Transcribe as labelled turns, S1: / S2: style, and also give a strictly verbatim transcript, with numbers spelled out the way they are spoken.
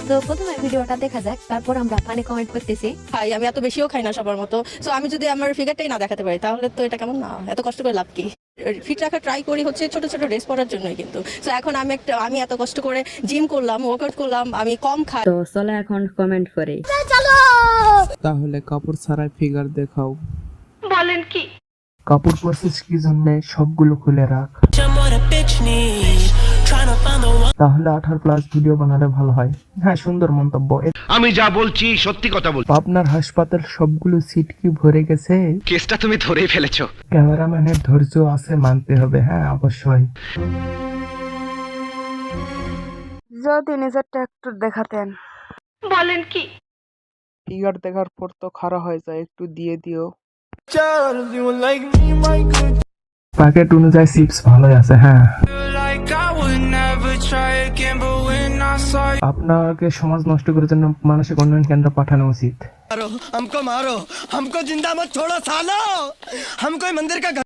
S1: তো প্রথমে ভিডিওটা দেখা যাক, তারপর আমরা ফানি কমেন্ট করতেছি।
S2: খাই আমি এত বেশিও খাই না সবার মতো। সো আমি যদি আমার ফিগারটাই না দেখাতে পারি তাহলে তো এটা কেমন না, এত কষ্ট করে লাভ কি? ফিট রাখা ট্রাই করি হচ্ছে ছোট ছোট ড্রেস পরার জন্যই, কিন্তু সো এখন আমি একটা আমি এত কষ্ট করে জিম করলাম, ওয়ার্কআউট করলাম, আমি কম খাই।
S3: তো চলো এখন কমেন্ট করি।
S4: তাহলে কাপড় ছাড়াই ফিগার দেখাও।
S2: বলেন কি?
S4: কাপড় পরছিস কি জন্য? সবগুলো খুলে রাখ, তাহলে আঠারো প্লাস ভিডিও বানালে ভালো হয়। হ্যাঁ, সুন্দর মন্তব্য।
S5: আমি যা বলছি সত্যি কথা বলছি।
S4: পাবনার হাসপাতাল সবগুলো সিট কি ভরে গেছে?
S5: কেসটা তুমি ধরেই ফেলেছো।
S4: ক্যামেরাম্যানের ধৈর্য আছে, মানতে হবে। হ্যাঁ, অবশ্যই।
S6: যদি নিজেরটা একটু দেখাতেন।
S2: বলেন কি?
S4: ফিগার দেখার পর তো খারাপ হয়ে যায়, একটু দিয়ে দিও। প্যাকেট অনুযায়ী চিপস ভালোই আছে। হ্যাঁ, আপনাকে সমাজ নষ্ট করার জন্য মানসিক উন্নয়ন কেন্দ্র পাঠানো উচিত।
S7: हमको मारो, हमको जिंदा मत छोड़ो सालो, हम कोई मंदिर का